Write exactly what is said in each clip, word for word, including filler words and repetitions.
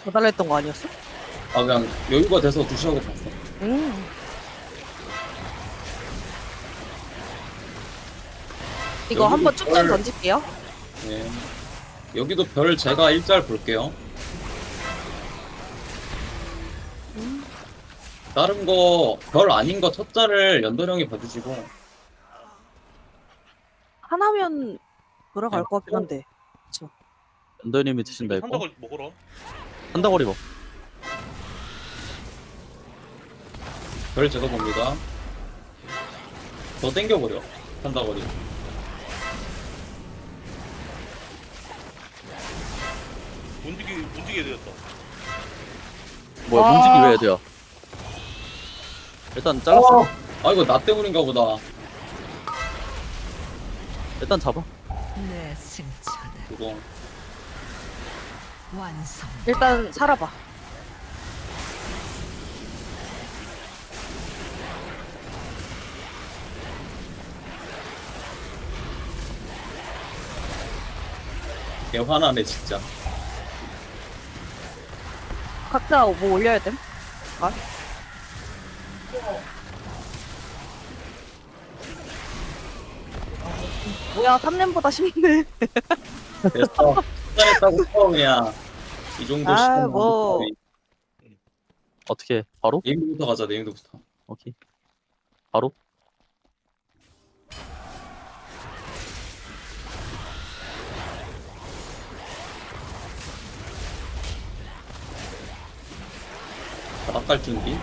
더 달라 했던 거 아니었어? 아 그냥 여유가 돼서 두시하고 봤어. 음. 이거 여기도 한번 쭉쭉 별- 던질게요. 네. 여기도 별 제가 일짤 볼게요. 음. 다른 거 별 아닌 거 첫 자를 연도령이 봐주시고. 하나면 돌아갈 네. 것 같긴 한데. 그쵸. 연도님이 드신다 이거. 산다고 먹어라. 한다거리 먹. 별 제가 봅니다. 더 땡겨버려. 한다거리. 움직이 움직이게 되었다. 뭐야 아. 문지기 왜 해야 돼요? 일단 잘랐어. 어! 아 이거 나 때문인가 보다. 일단 잡아. 내 승천은 그거. 완성. 일단 살아봐. 개 화나네 진짜. 각자 뭐 올려야 됨? 아? 뭐야, 삼 렘보다 쉽네. 됐어. 잘했다고 처음이야. 이 정도 아, 시간 뭐. 어떻게 바로? 네임드부터 가자. 네임드부터. 오케이. 바로? 바닥갈 준비.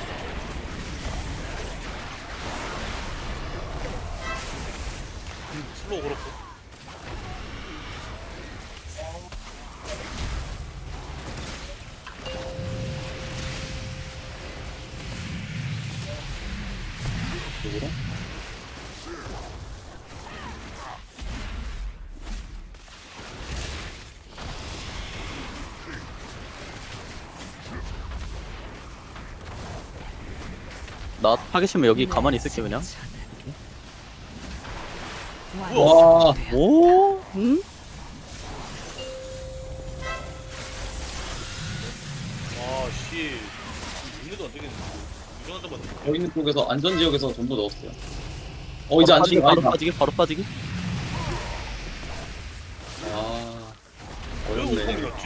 음, 슬로우 그렇고. 이쪽으로. 나 하기 싫으면 여기 가만히 있을게 그냥. 와. 오? 응? 아 씨. 윤회도 안 되겠네. 유전한 잡았네. 저 있는 쪽에서 안전지역에서 전부 넣었어요. 어 이제 바로 안전지역 빠지기, 바로 아니다. 빠지기, 바로 빠지기. 아 왜 어렵네. 오공이었지?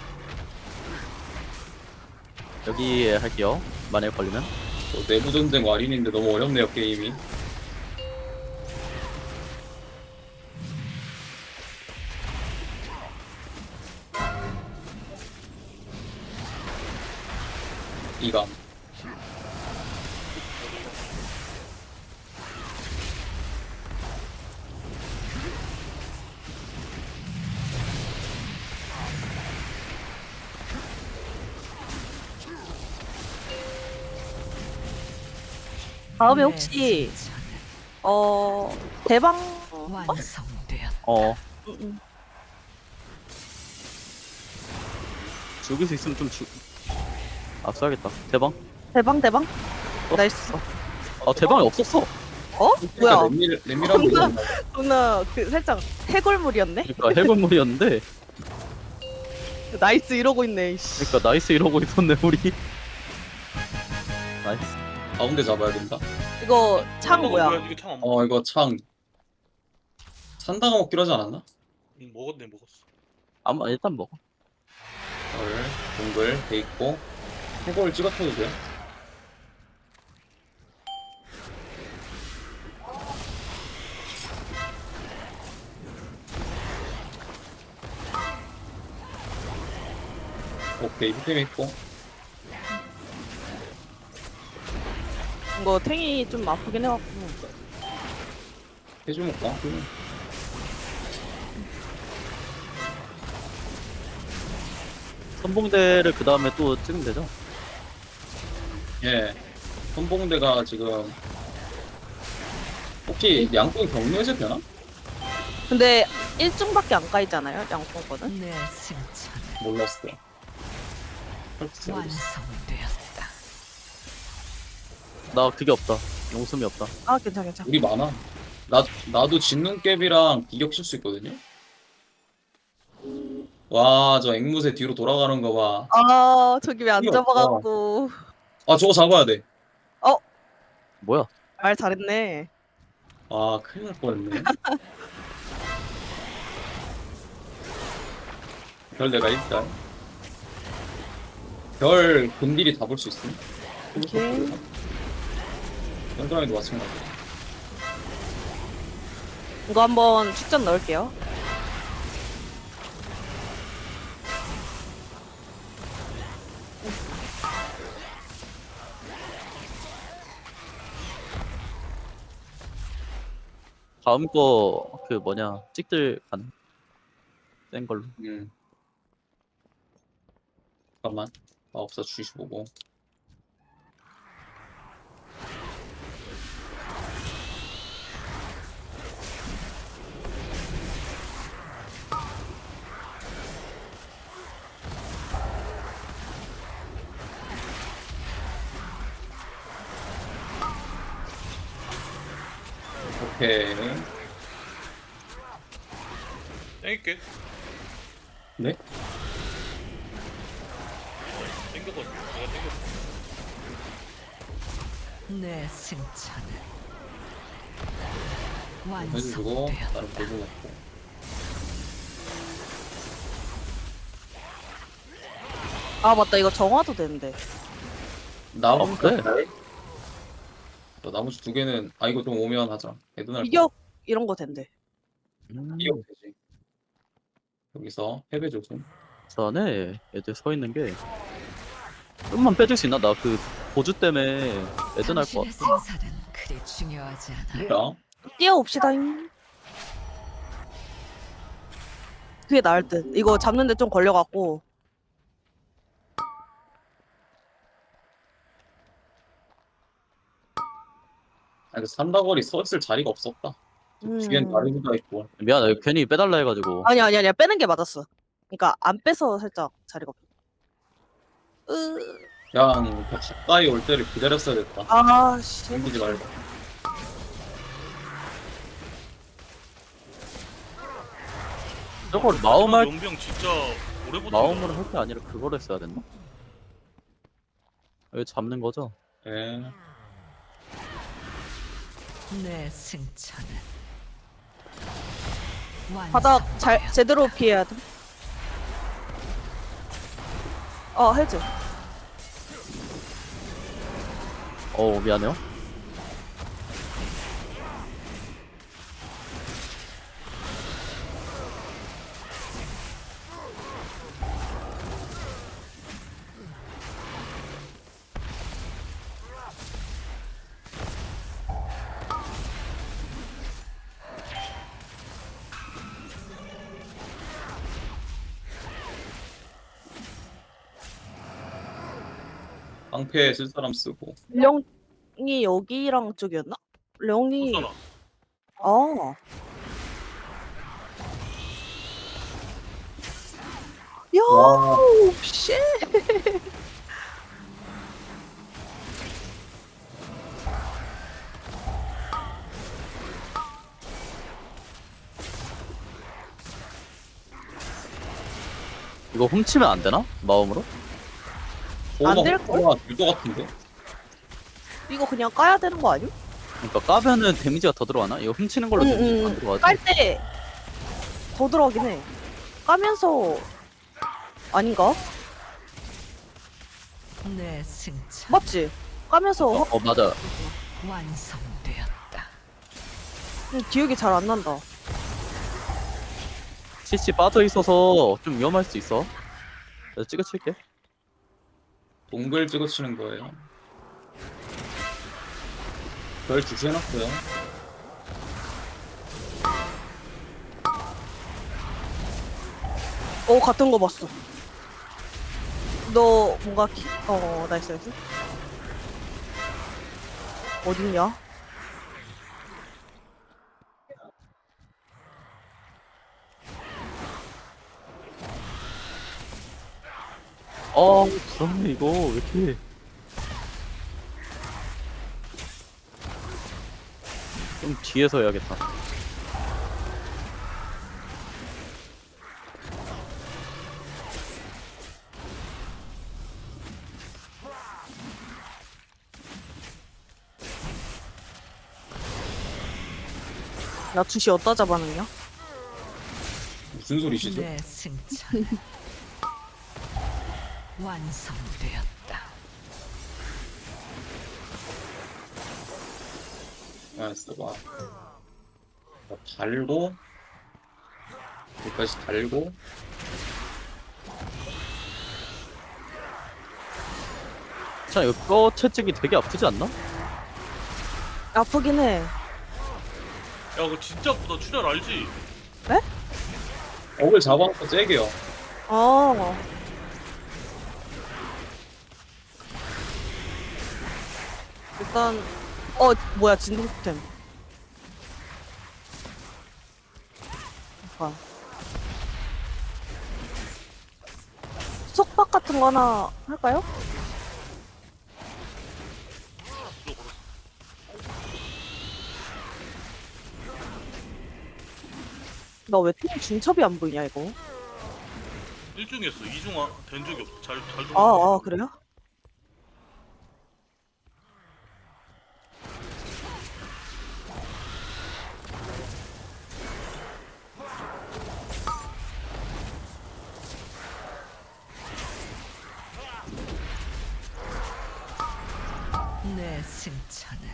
여기에 할게요. 만약에 걸리면. 또 내부 전쟁 와린인데 너무 어렵네요 게임이. 이감. 다음에 혹시, 어, 대방, 어? 완성되었다. 어. 응, 응. 죽일 수 있으면 좀 죽. 압수하겠다. 대방. 대방, 대방? 어? 나이스. 아 대방이 없었어. 어? 뭐야? 레밀 레밀한 거 존나, 있나? 존나, 그, 살짝, 해골물이었네? 그러니까 해골물이었는데. 나이스 이러고 있네, 이씨. 그러니까 나이스 이러고 있었네 우리. 나이스. 가운데 잡아야 된다. 이거, 창 뭐야? 이게 창안 먹. 어 이거 창 산다가 먹기로 하지 않았나? 응, 먹었네 먹었어. 아마 일단 먹어. 별 동글 돼 있고 해골 찍어쳐도 돼요? 오케이 휘템 있고. 이거 탱이 좀 아프긴 해갖고. 해주 먹까? 선봉대를 그 다음에 또 찍으면 되죠? 예. 선봉대가 지금 혹시 양궁 경로에서 되나? 근데 일 중밖에 안 까이잖아요, 양콩 거는. 내 승천은 몰랐어요. 헐스 알겠어. 완성되었다. 나 그게 없다. 용숨이 없다. 아, 괜찮아, 괜찮아. 우리 많아. 나 나도 진눈깨비랑 비격 칠 수 있거든요. 와, 저 앵무새 뒤로 돌아가는 거 봐. 아 저기 왜 안 이게 없어. 잡아가고. 아, 저거 잡아야 돼. 뭐야? 말 잘했네. 아, 큰일 날 뻔했네. 별 내가 일단 별 근딜이 다 볼 수 있음. 오케이. 현드라이도 마찬가지. 이거 한번 축전 넣을게요. 다음 거 그 뭐냐 찍들 가능? 센 걸로. 음. 잠깐만. 마법사 주시 보고. 오케이. 땡길게. 네? 땡겼거든. 내가 땡겼어. 내 승천은 해주고 완성되었다. 나름 보고 먹고. 아 맞다 이거 정화도 되는데. 나무 아, 그래? 저 나머지 두 개는 아 이거 좀 오면 하자. 애드날 비격 이런 거 된대. 음, 이거 되지. 여기서 패배 조심. 전에 애들 서 있는 게 좀만 빼줄 수 있나? 나 그 보주 때문에 애들 날것 당신의 같아. 생사는 그리 중요하지 않아. 뭐야? 뛰어옵시다잉. 그게 나을 듯. 이거 잡는데 좀 걸려갖고. 아 이거 산다거리 서 있을 자리가 없었다. 음. 뒤엔 다리가 있고. 미안해, 이거 괜히 빼달라 해가지고. 아니 아니 아니야 빼는 게 맞았어. 그러니까 안 빼서 살짝 자리가 없어. 으. 그냥 더 가까이 올 때를 기다렸어야 됐다. 아 씨. 생기지 말고. 저걸 마음할 용병 진짜 오래 버틴다. 마음으로 할 게 아니라 그걸 했어야 됐나? 여기 잡는 거죠? 예. 내 승천은 바닥 잘 완성되었다. 제대로 피해야 돼. 어 해즈. 어 미안해요. 방패 쓸 사람 쓰고. 령이 여기랑 쪽이었나? 령이 잖아 아. 야, 와. 씨. 이거 훔치면 안 되나? 마음으로? 안 될걸? 될것 같은데. 이거 그냥 까야 되는 거 아니야? 그러니까 까면은 데미지가 더 들어가나? 이거 훔치는 걸로 응, 데미지가 응. 안 들어가지? 깔 때 더 들어가긴 해. 까면서 아닌가? 내 승천 맞지? 까면서 어, 어 맞아. 완성되었다. 음, 기억이 잘 안 난다. 씨씨 빠져 있어서 좀 위험할 수 있어. 내가 찍어칠게. 동글 찍어치는 거예요. 별 주시해놨어요. 어 같은 거 봤어. 너 뭔가 키... 어 나이스 나이스. 어딨냐? 어 그렇네 이거 왜 이렇게 좀 뒤에서 해야겠다. 나 주시 어디다 잡아놨냐? 무슨 소리시죠? 내 승천은 완성되었다. 알았어 봐. 뭐 달고 여기까지 달고 자 이거 뼈 채찍이 되게 아프지 않나? 아프긴 해. 야 그거 진짜 아프다. 출혈 알지? 억을 잡아놓고 째게요. 어. 일단 어 뭐야 진동템. 잠깐. 속박 같은 거 하나 할까요? 이거 걸었어. 나 왜 팀 중첩이 안 보이냐 이거? 일중이었어. 이중 아, 된 적이 없어. 잘, 잘 아, 아 그래요? 내 승천은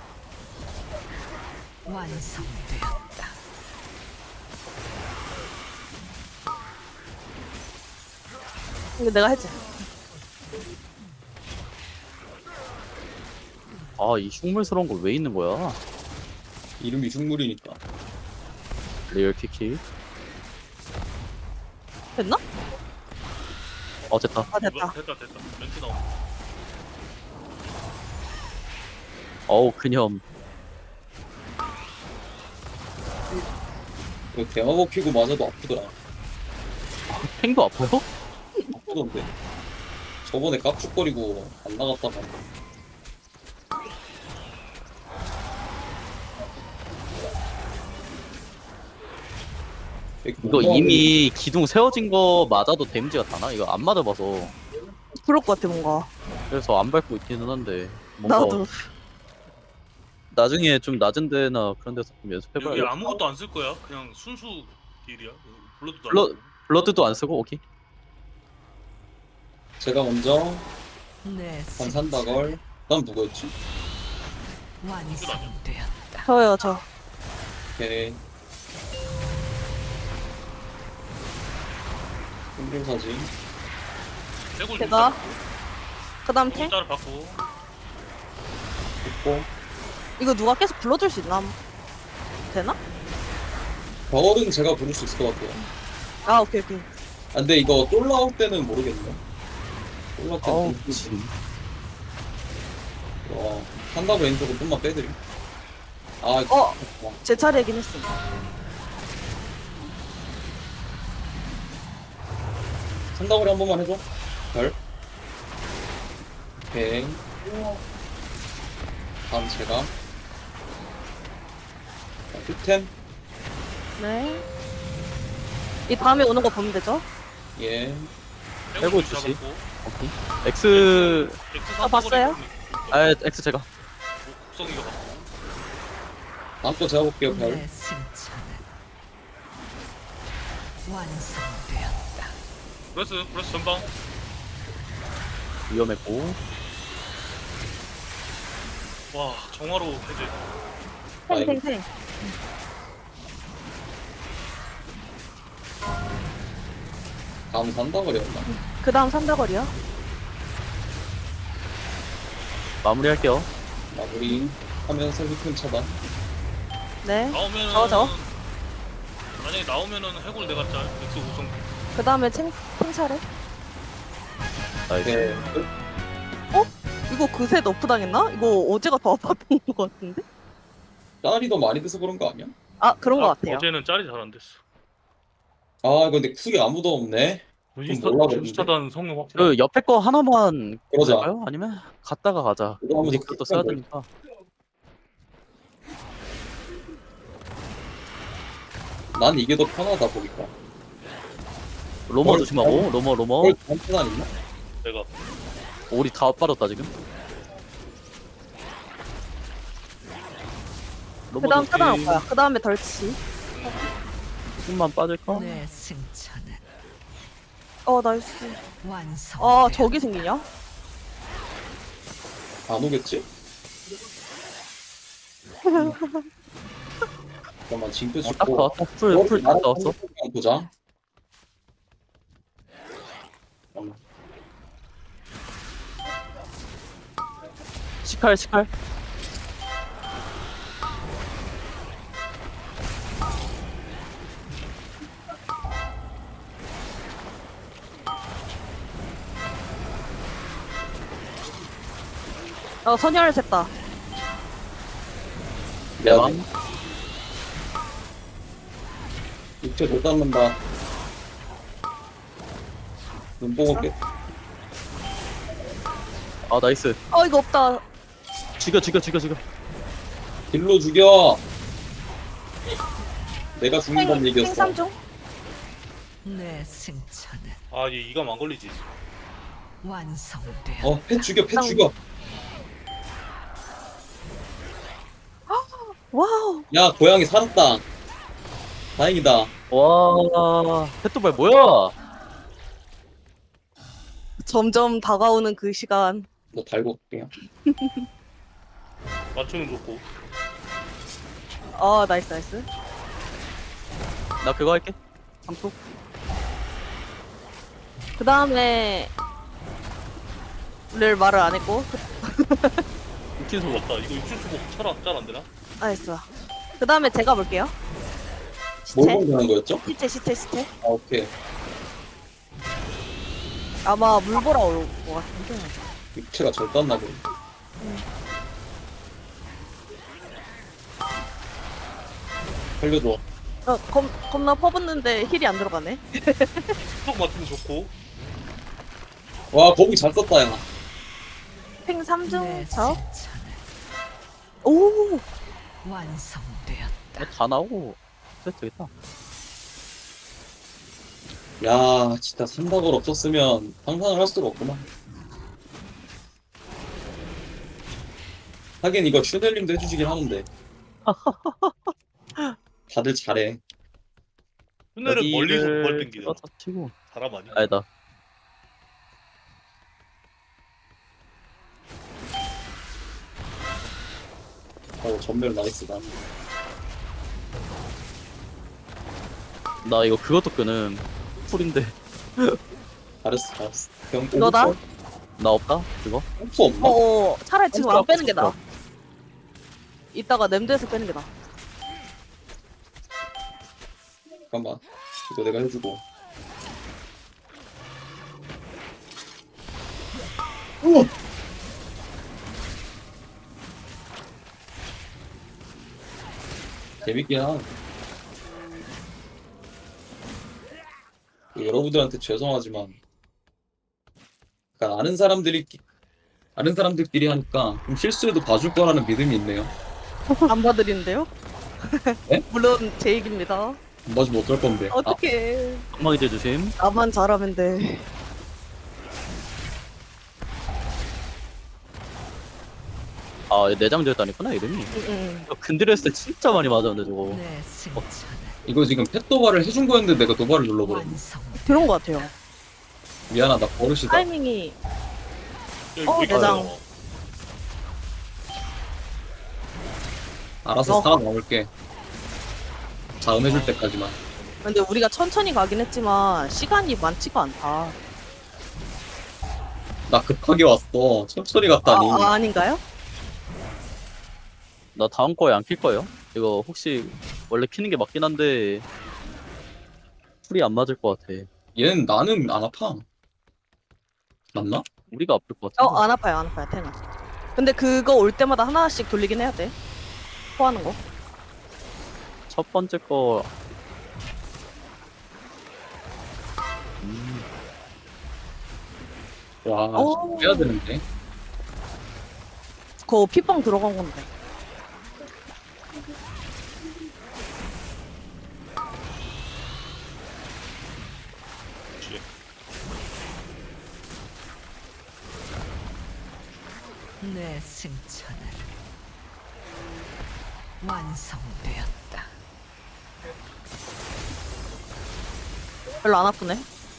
완성되었다. 이거 내가 했지. 아 이 흉물스러운 거 왜 있는 거야? 이름이 흉물이니까. 리얼 키키. 됐나? 어 됐다. 아 됐다. 이거 됐다 됐다. 멘트 나온다. 어우 그냥 이거 대마법 키고 맞아도 아프더라. 팽도 아파요? 아프던데. 저번에 깝죽거리고 안 나갔다가 이거 이미 기둥 세워진 거 맞아도 데미지가 다나? 이거 안 맞아봐서 그럴 것 같아 뭔가. 그래서 안 밟고 있기는 한데 뭔가 나도. 나중에 좀 낮은 데나 그런 데서 좀 여기 연습해봐야 아무것도 안 쓸 거야. 그냥 순수 딜이야. 블러드도 안 블러- 쓰고. 블러드도 안 쓰고 오케이. 제가 먼저 내 반산다걸. 다음 누구였지? 완성되었다. 저요 저. 오케이. 힘들사지. 해골 제가 좀 그다음 잡고, 탱. 따를 받고. 됐고. 이거 누가 계속 불러줄 수 있나? 되나? 버거는 제가 부를 수 있을 것 같아요. 아 오케이 오케이. 아, 근데 이거 쫄 나올 때는 모르겠네. 쫄 나올 때는 어우 모르겠네. 진 와, 한다고 왼쪽은 좀만 빼드림. 아, 어. 와. 제 차례이긴 했어. 산다고리 한 번만 해줘. 별. 오케이. 다음 제가. 자, 큐템. 네. 이 다음에 오는 거 보면 되죠? 예. 해골 좀 주시. 잡았고. 오케이. X 엑스 아, 봤어요? 아 X 제가 국성이가 봤고. 다음 거 제가 볼게요, 별. 내 승천은 완성되었다. 브레스 브레스 전방. 위험했고 와 정화로 해제. 탱탱탱. 다음 산다고리였나? 그 다음 산다거리요? 마무리할게요. 마무리 하면서 휘큰 차단. 네. 나오면은 저, 저. 만약에 나오면은 해골 내가 짤. 엑스 우성. 그 다음에 탱, 탱 차례. 나이스. 네. 끝. 이거 그새 너프 당했나? 이거 어제가 더 아팠던 것 같은데? 짤이 더 많이 돼서 그런 거 아니야? 아 그런 것 아, 같아요. 어제는 짤이 잘 안 됐어. 아, 근데 쿡이 아무도 없네. 분시차 몰라보는데? 분시차단 성능 확. 그 옆에 거 하나만 그러자. 볼까요? 아니면 갔다가 가자. 이거 하면서 우리 그것도 써야 쿡 되니까. 난 이게 더 편하다 보니까. 로머 뭘- 조심하고 로머 로머. 헐, 다음 차단 있나? 내가 우리 다 빠졌다 지금. 그 다음 넘어졌지. 차단할 거야. 그 다음에 덜치. 조금만 빠질까? 내 승천은 어, 나이스. 완성. 아, 저기 생기냐? 안 오겠지? 잠깐만 징크 어, 딱 찍고 나왔다. 풀, 풀, 딱 나왔어. 보자. 잠깐만. 시칼, 시칼. 어, 선혈 샜다. 내가 대왕. 육체 못 닦는다. 눈 보고 올게. 아, 나이스. 어, 이거 없다. 죽여, 죽여, 죽여, 죽여. 딜로 죽여. 내가 죽는 생, 건 얘기였어. 생삼중? 내 승천은 아, 얘 이감 안 걸리지. 완성되었다. 어, 패 죽여, 패 죽여. 와우. 야, 고양이 살았다. 다행이다. 와, 페토발 뭐야? 점점 다가오는 그 시간. 뭐 달고 올게요. 맞추면 좋고. 어, 나이스, 나이스. 나 그거 할게. 삼투. 그 다음에, 를 말을 안 했고. 육진 소금. 맞다. 이거 육칠 수복 잘안 잘 안 되나? 나이스. 그 다음에 제가 볼게요. 뭘 시체. 공개하는 거였죠? 시체, 시체, 시체. 아, 오케이. 아마 물 보러 올 것 같은데. 육체가 절 떴나 보네. 살려줘. 어, 겁, 겁나 퍼붓는데 힐이 안 들어가네. 수복 맞추면 좋고. 와, 거북이 잘 썼다, 야. 팽 삼 중 내 저? 승천은 오! 완성되었다. 어, 다 나오고. 됐다, 됐다. 야, 진짜 삼박을 없었으면 상상을 할 수가 없구나. 하긴 이거 슈넬님도 해주시긴 하는데. 다들 잘해. 오늘은 멀리서 벌 땡기잖아. 다 치고. 사람 아니야? 아니다. 어, 전멸 나이스다. 나 이거 그것도 끄는 풀인데. 잘했어, 잘했어. 그냥 너다? 꼼수 나 없다? 그거? 꼼수 없나? 어, 차라리 지금 안 빼는 게 나아. 없어. 이따가 냄드에서 빼는 게 나아. 잠깐만. 이거 내가 해주고. 우와! 재밌긴 하. 여러분들한테 죄송하지만, 그러니까 아는 사람들이 아는 사람들끼리 하니까 좀 실수해도 봐줄 거라는 믿음이 있네요. 안 봐드리는데요? 네? 물론 제 얘기입니다. 안 봐주면 어쩔 건데. 아, 어떡해. 엉망이 제 조심. 나만 잘하면 돼. 아, 내장되었다니구나, 이름이. 응, 응. 야, 근딜 했을 때 진짜 많이 맞았는데, 저거. 내 승천은 이거 지금 펫 도발을 해준 거였는데 내가 도발을 눌러버렸네. 완성. 그런 것 같아요. 미안하다, 버릇이다. 타이밍이. 여기 어, 왜 이렇게 내장. 어려워? 알아서 어. 살아남을게. 자음해줄 때까지만. 근데 우리가 천천히 가긴 했지만 시간이 많지가 않다. 나 급하게 왔어. 천천히 아, 갔다니. 아 아닌가요? 나 다음 거에 안 킬 거예요. 이거 혹시 원래 키는 게 맞긴 한데 풀이 안 맞을 것 같아. 얘는 나는 안 아파. 맞나? 우리가 아플 것 같아. 어, 안 아파요, 안 아파요, 테나. 근데 그거 올 때마다 하나씩 돌리긴 해야 돼. 포하는 거. 첫 번째 거. 음, 와, 오. 해야 되는데. 그거 피빵 들어간 건데. 그치. 내 승천은 완성되었다. 별로 안 아프네.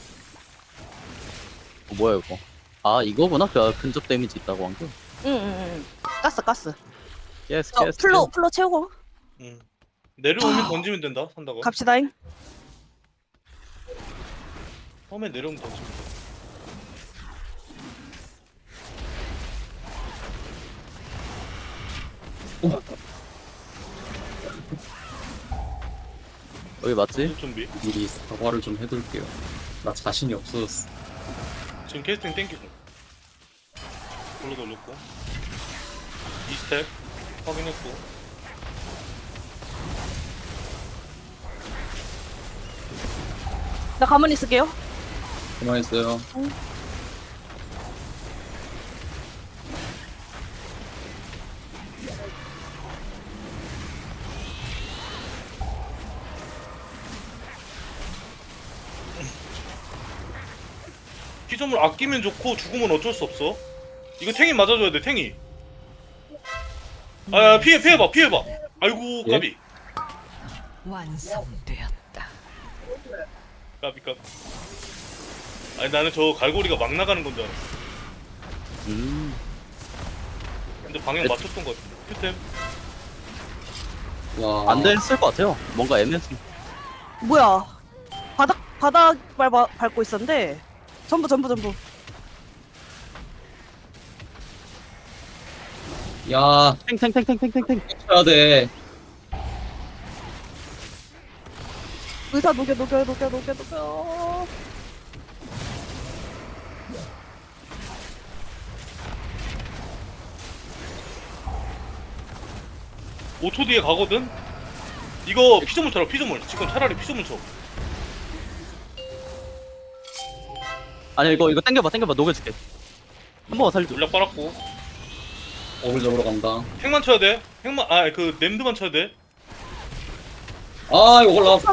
어, 뭐야 이거? 아 이거구나. 그 근접 데미지 있다고 한 게. 응응응. 가스 가스. 예스 저 예스. 플로 플로 채우고 응. 내려오면 던지면 된다. 산다고. 갑시다잉. 처음에 내려오면 던지면 돼. 여기 맞지? 준비. 미리 사과를 좀 해둘게요. 나 자신이 없어졌어. 지금 캐스팅 땡기고. 불러 돌렸고. 이 스텝 확인했고. 나 가만히 있을게요. 그만했어요. 피점을 아끼면 좋고 죽으면 어쩔 수 없어. 이거 탱이 맞아줘야 돼. 탱이. 아 야, 피해 피해봐 피해봐. 아이고 예? 까비 완성되었다. 까비 까비. 아니 나는 저 갈고리가 막 나가는 건 줄 알았어. 음. 근데 방향 에- 맞췄던 것 같아. 큐템. 와. 안 됐을 것 같아요. 뭔가 애매했어. 뭐야? 바닥 바닥 밟아 밟고 있었는데 전부 전부 전부. 야, 탱탱탱탱탱탱탱. 쳐야 돼. 의사 녹여 녹여 녹여 녹여 녹여. 오 초 뒤에 가거든? 이거 피조물 쳐라 피조물. 지금 차라리 피조물 쳐. 아니 이거 이거 당겨봐 당겨봐 녹여줄게. 한 번만 살려줘. 물약 빨았고. 어글 잡으러 간다. 핵만 쳐야 돼. 핵만 아 그 냄드만 쳐야 돼. 아, 이거 올라왔어.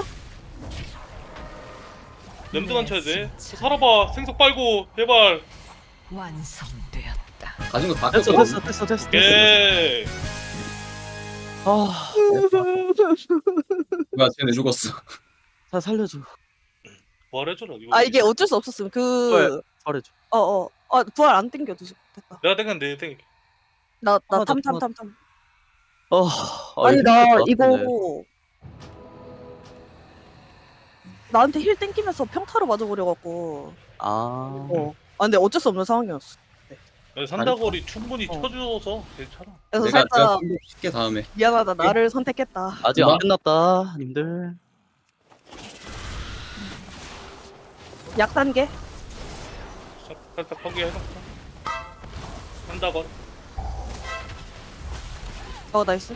냄드만 쳐야 돼. 살아봐. 생석 빨고 제발. 완성되었다. 가진 거다 됐어 꼈어. 됐어 됐어 됐어. 됐어. 예. 아, 뭐야, 쟤네 죽었어. 자 살려줘. 부활해줘라. 이거. 아 이게 어쩔 수 없었음. 그 잘해줘. 어어 어, 부활 안 땡겨 도 됐다. 내가 땡겼는데 땡. 나 아, 나 나 탐 탐 부활- 탐 탐. 어. 아니 나 힘들 것 이거 같은데. 나한테 힐 땡기면서 평타로 맞아버려갖고. 아. 어. 아 근데 어쩔 수 없는 상황이었어. 산다거리 충분히 어. 쳐줘서 괜찮아. 그래서 내가, 내가 살짝 좀 쉽게 다음에. 미안하다 나를 선택했다. 아직 누가? 안 끝났다, 님들. 약 단계. 살- 살짝 포기해놓자. 산다거리. 어 나이스.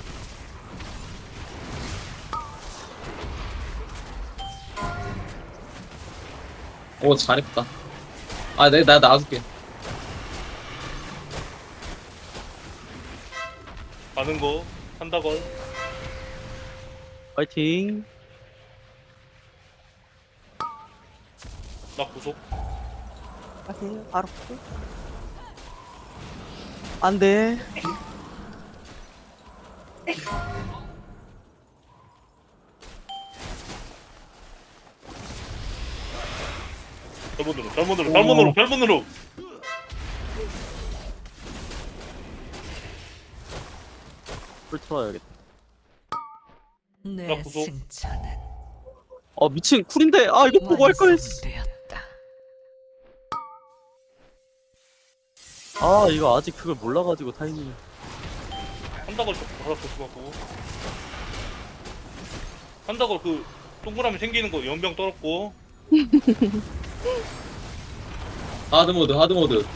오, 잘했다. 아, 내, 나 놔줄게. 가는 거. 산다걸. 파이팅. 나 구속. 오케이 바로. 안돼. 별문으로 별문으로 별문으로 별문으로. 풀 틀어야겠다. 내 나 구속. 승천은 아 미친 쿨인데. 아 이거 보고 할 걸. 완성되었다. 아 이거 아직 그걸 몰라가지고 타이밍. 산다걸 바로 조심하고. 산다걸 그 동그라미 생기는 거 연병 떨었고. 하드모드, 하드모드.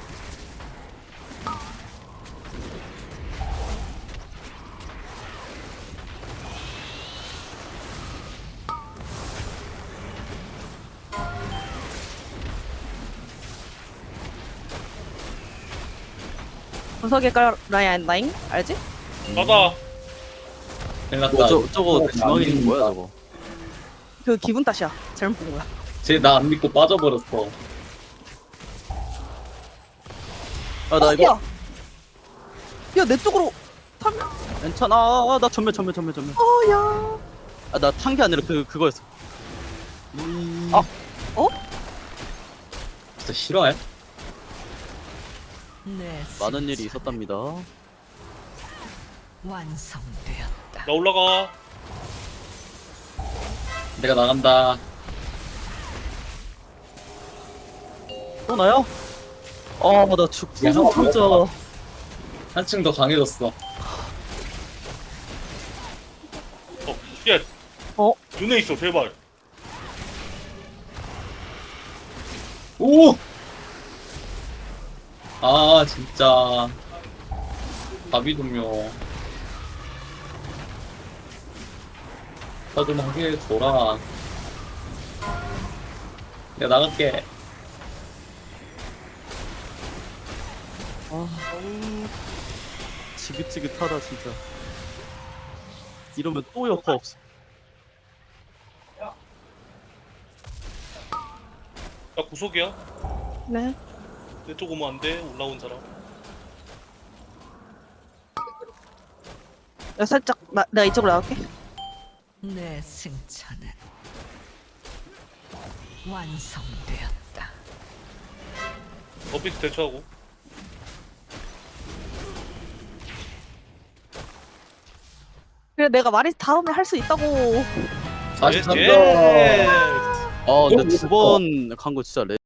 구석에 깔아야 한다잉. 알지? 가다. 큰일 났다. 뭐, 저, 저거 어, 중앙에 있는 안 거야 믿는다. 저거. 그 기분 탓이야. 잘못 본 거야. 쟤 나 안 믿고 빠져버렸어. 아 나 어, 이거 야! 야, 내 쪽으로. 타면 괜찮아. 아, 나 전멸 전멸 전멸 전멸. 어야. 아, 나 탄 게 아니라 그 그거였어. 아, 어? 진짜 싫어해? 내 많은 승천 일이 있었답니다. 완성되었다. 나 올라가. 내가 나간다. 또 나요? 아, 나 죽. 야, 진짜 진짜. 한층 더 강해졌어. 어, 야. 어? 눈에 있어, 제발. 오! 아, 진짜. 바비돔요. 나좀 하게 해줘라. 내가 나갈게. 아, 지긋지긋하다 진짜. 이러면 또 여파 없어. 나 구속이야. 네. 내 쪽 오면 안 돼. 올라온 사람. 야, 살짝 나, 내가 이쪽으로 나갈게. 내 승천은 완성되었다. 어비스 대처하고. 그래 내가 말이 다음에 할 수 있다고. 사십삼 점. 예. 아, 근데 두 번 간 거 진짜 레.